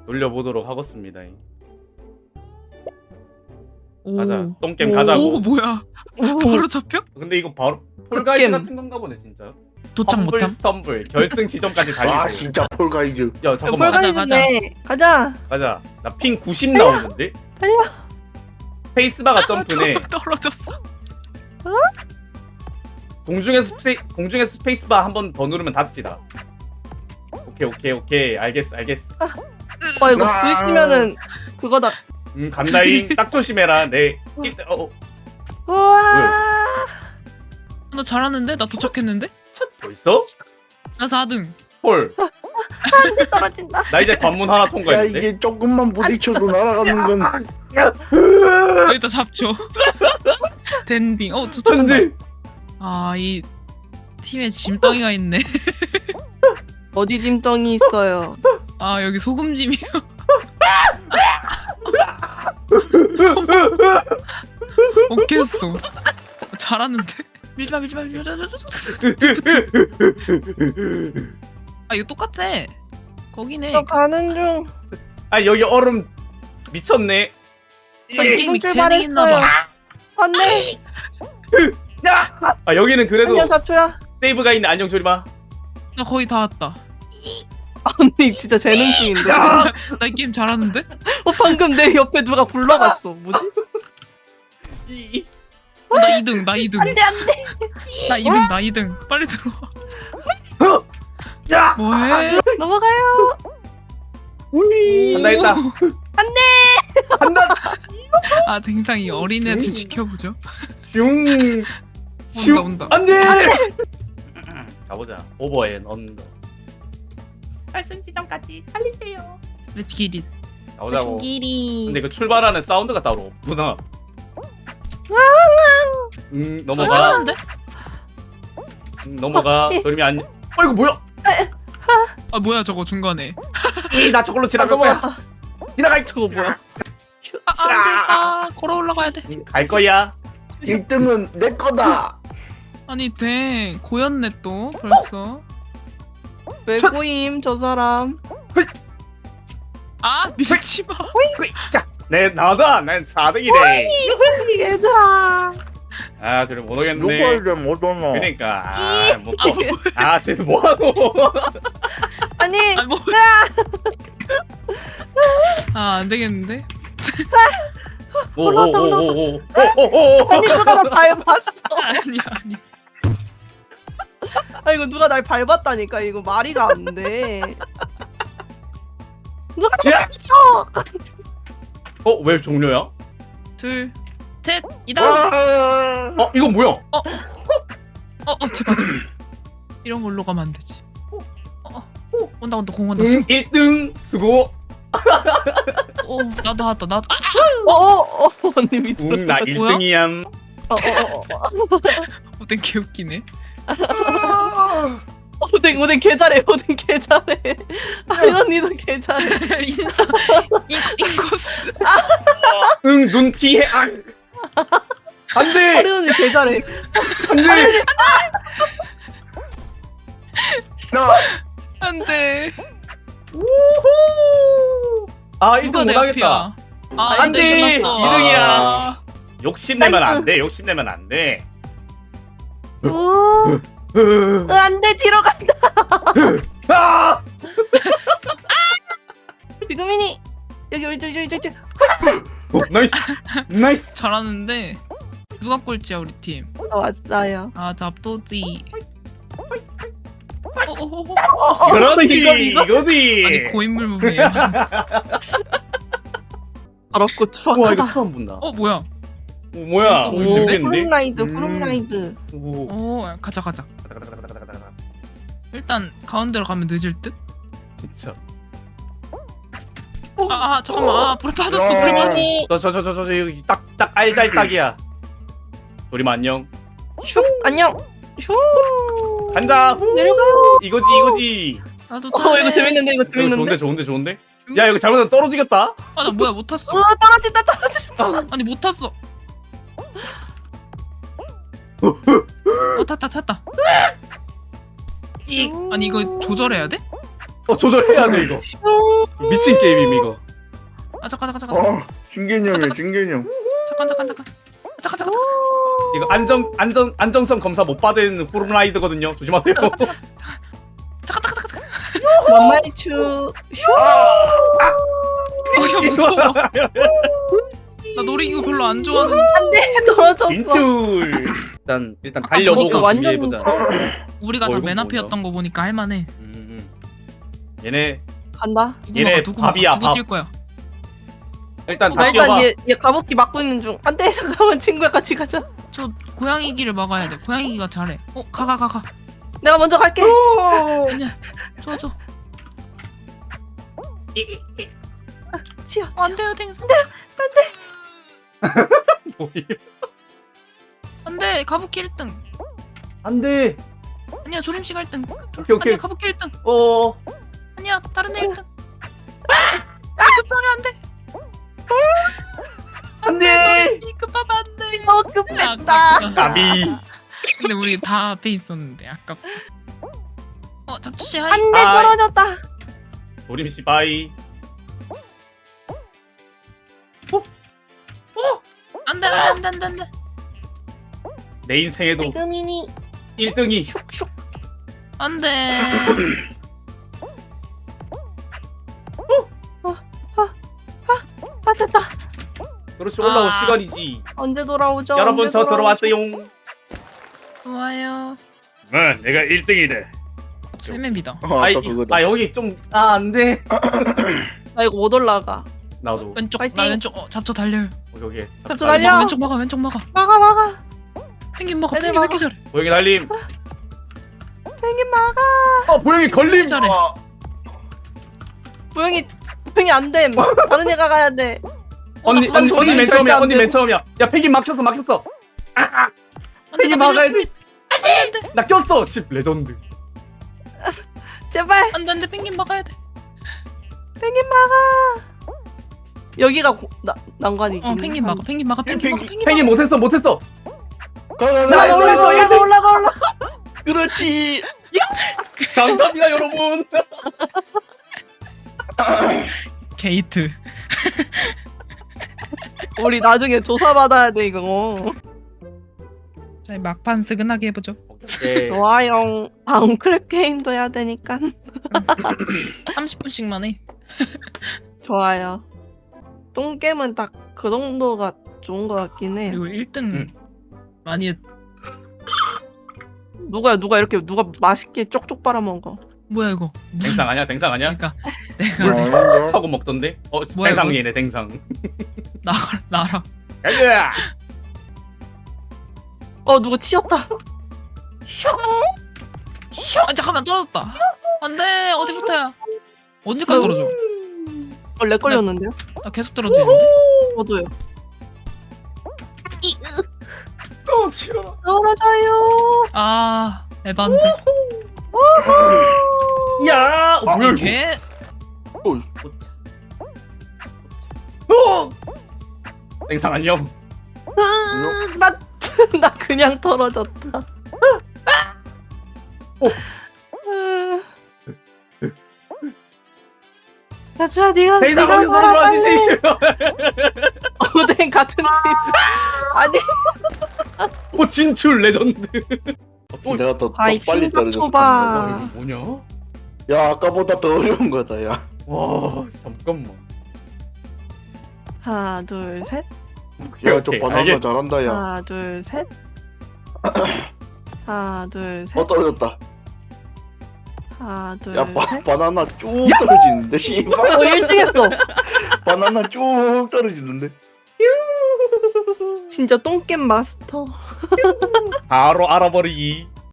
돌려보도록 하겠습니다. 오. 가자. 똥겜 오. 가자고. 오 뭐야? 바로 잡혀? 근데 이거 바로 폴가이즈 겜. 같은 건가 보네 진짜. 도착 험블 못함? 스텀블 결승 지점까지 아 달리고. 진짜 폴가이즈. 야 잠깐만. 폴가이즈네. 가자. 가자. 나 핑 90 나오는데. 달려. 스페이스바가 점프네. 떨어졌어. 공중에서 스페이스바 한 번 더 누르면 닫지다. 오케이 알겠어. 이거 아. 부딪히면은 그거다. 간다잉. 딱 조심해라. 우와. 나 잘하는데? 나 도착했는데? 벌써? 나 4등. 헐. 안돼 떨어진다. 나 이제 관문 하나 야 통과했는데. 이게 조금만 부딪혀도 날아가는 건. 여기다 잡죠. 댄딩. 도착한다. 천지. 이 팀에 짐덩이가 있네. 어디 짐덩이 있어요? 여기 소금짐이요. 어깼어. 잘하는데? 밀지마. 이거 똑같아. 거기네. 저 가는 중. 아 여기 얼음 미쳤네. 게임이 지금 재능 있나 출발했어요. 봐. 안돼. 야! 여기는 그래도 안녕 잡초야. 세이브가 있네. 안녕 조리마. 나 거의 다 왔다. 언니 진짜 재능충인데. 나 이 게임 잘하는데? 방금 내 옆에 누가 굴러갔어. 뭐지? 나 2등. 안돼 안돼. 나 2등. 빨리 들어와. 야! 뭐해? 넘어가요. 한다. 한다. 댕상이 어린애들 지켜보죠. 슝. 온다. 안돼. 가보자. 오버앤 언더. 결승 지점까지 달리세요. Let's get it. 가보자고. 길이. 근데 그 출발하는 사운드가 따로 없구나. 넘어가. 잘하는데? 넘어가. 조리미 안. 이거 뭐야? 뭐야 저거 중간에. 나 저걸로 아 지나갈 거야. 넘어갔다. 지나갈. 저거 뭐야? 안돼. 걸어 올라가야 돼. 갈 거야. 1등은 내 거다. 아니 고였네 또 벌써. 왜 고임 저 사람? 밀지마. 자, 나다. 난 4등이래. 얘들아. 조리 못 오겠네. 누가 이래 못 오노. 그러니까 쟤 뭐하노? 아니 뭐. 안 되겠는데? 오오오오오오오오. 아니 누가 나 밟았어. 아니. 아 이거 누가 날 밟았다니까. 이거 말이가 안 돼. 누가 날 야! 밟았어. 왜 종료야? 둘, 셋, 이다. 이건 뭐야? 제발. 이런 걸로 가면 안 되지. 온다 공 온다. 1등 수고. 나도 왔다. 나도. 언니 밑으로. 나 뭐야? 1등이야. 오뎅 개웃기네. 오뎅 개 잘해. 오뎅 개 잘해. 아이 언니도 개 잘해. 인사 인코스. 눈 피해. 안돼. 아이 언니 개 잘해. 안돼. 안돼. 아 누가 1등 내 못하겠다. 앞이야? 안 돼. 이등이야. 2등이야. 욕심내면 나이스. 안돼. 욕심내면 안돼. 오. 안돼 뒤로 간다. 아! 지금이니 여기. 나이스. 잘하는데 누가 꼴찌야 우리 팀? 왔어요. 답도지. 그렇지. 이거? 이거지. 아니 고인물 무비야. 더럽고 와 추악하다. 이거 처음 본다. 뭐야? 뭐야? 오, 재밌겠는데? 후룸라이드 음. 후룸라이드. 오. 가자. 일단 가운데로 가면 늦을 듯? 진짜. 잠깐만. 불에 빠졌어. 야. 불에 빠졌어. 지금이니 저 여기 딱 알잘딱이야. 우리만 안녕. 슉 안녕. 슉 간다. 후. 내려가요. 이거지. 나도 이거 재밌는데 이거 이거 재밌는데. 좋은데. 야 이거 잘못하면 떨어지겠다. 나 뭐야 못 탔어. 떨어진다. 아니 못 탔어. 탔다. 이 아니 이거 조절해야 돼? 조절해야 돼 이거. 미친 게임임 이거. 아 잠깐. 중개념이야 중개념. 잠깐. 이거 안정성 검사 못 받은 호르라이드거든요. 조심하세요. 잠깐. 만말추. 야 무서워. 나 놀이기구 별로 안 좋아하는. 안돼 떨어졌어. 진출. 일단 달려보고 그러니까 완전 준비해보자. 우리가 다 이건 맨 뭐냐? 앞이었던 거 보니까 할만해. 얘네 간다. 얘네 밥이야, 누구 밥. 뛸 거야? 일단 나 다 일단 뛰어봐. 얘 가복기 막고 있는 중. 안돼 잠깐만 친구야 같이 가자. 저 고양이기를 막아야 돼. 고양이기가 잘해. 가. 내가 먼저 갈게. 아니야. 줘. 치여. 안 돼요, 댕선. 뭐야? 안 돼. 가부키 1등. 안돼. 아니야, 조림씨가 1등. 오케이. 아니야, 가부키 1등. 아니야, 다른 애 1등. 급하게 안 돼. 안돼. 급하면 안 돼. 급했다. 아깝다. 까비. 근데 우리 다 앞에 있었는데 아깝다. 잡초씨 하이. 안돼 아이. 떨어졌다. 도림 씨 바이. 안돼. 내 인생에도 지금이니 1등이 슉슉. 안돼. 아 됐다. 그렇지 올라올 아. 시간이지. 언제 돌아오죠? 여러분 언제 저 돌아오죠? 들어왔어요. 좋아요. 내가 1등이래. 세맵이다. 아까 그거다. 여기 좀 안돼. 나 이거 못 올라가. 나도 왼쪽. 파이팅. 나 왼쪽. 잡초 달려요. 여기 잡초 달려. 왼쪽 막아. 막아. 펭귄 막아. 애들 펭귄 왜 이렇게 잘해? 보영이 달림. 펭귄 막아. 보영이 걸림. 잘해. 부영이 안 됨. 다른 애가 가야 돼. 언니 난 맨 절대 처음이야. 안 언니 돼. 맨 처음이야. 야 펭귄 막혔어. 안 돼, 펭귄 나 막아야 밀려. 돼. 나 꼈어. 10 레전드. 제발 안 돼. 펭귄 막아야 돼. 펭귄 막아. 여기가 난관이긴. 펭귄 막아. 펭귄 막아. 펭귄 못했어. 올라가. 그렇지. 감사합니다 여러분. 게이트. 우리 나중에 조사 받아야 돼 이거. 자, 막판 스근하게 해보죠. 네. 좋아요. 웅크랩 게임도 해야 되니까. 30분씩만 해. 좋아요. 똥겜은 딱 그 정도가 좋은 것 같긴 해. 그리고 1등 응. 많이 누가 맛있게 쪽쪽 빨아먹어. 뭐야 이거? 댕상 아니야? 그러니까 내가 뭐야? 하고 먹던데? 뭐야, 댕상이네 댕상. 나라. 가자. 누가 치였다. 아 잠깐만 떨어졌다. 안돼 어디부터야? 언제까지 떨어져? 렉 걸렸는데요? 나 계속 떨어지는데? 저도요. 치러라. 떨어져요. 아 에반데. 야. 아, 뭐야 이거? 걔 댕상 안녕. 나 그냥 떨어졌다. 야주야 네가 댕상 어디서 들어왔지? 싫어. 오뎅 같은 팀. 아니 진출 레전드. 또 내가 더 아이 빨리 충격 떨어졌어. 초바. 뭐냐? 야 아까보다 더 어려운 거다 야. 와 잠깐만. 하나 둘 셋. 야저 오케이, 바나나 알겠- 잘한다 야. 하나 둘 셋. 하나 둘 셋. 떨어졌다. 하나 둘 야 셋. 바나나 쭉 떨어지는데 씨발. 1등했어. 바나나 쭉 떨어지는데. 진짜 똥겜 마스터. 바로 알아버리기.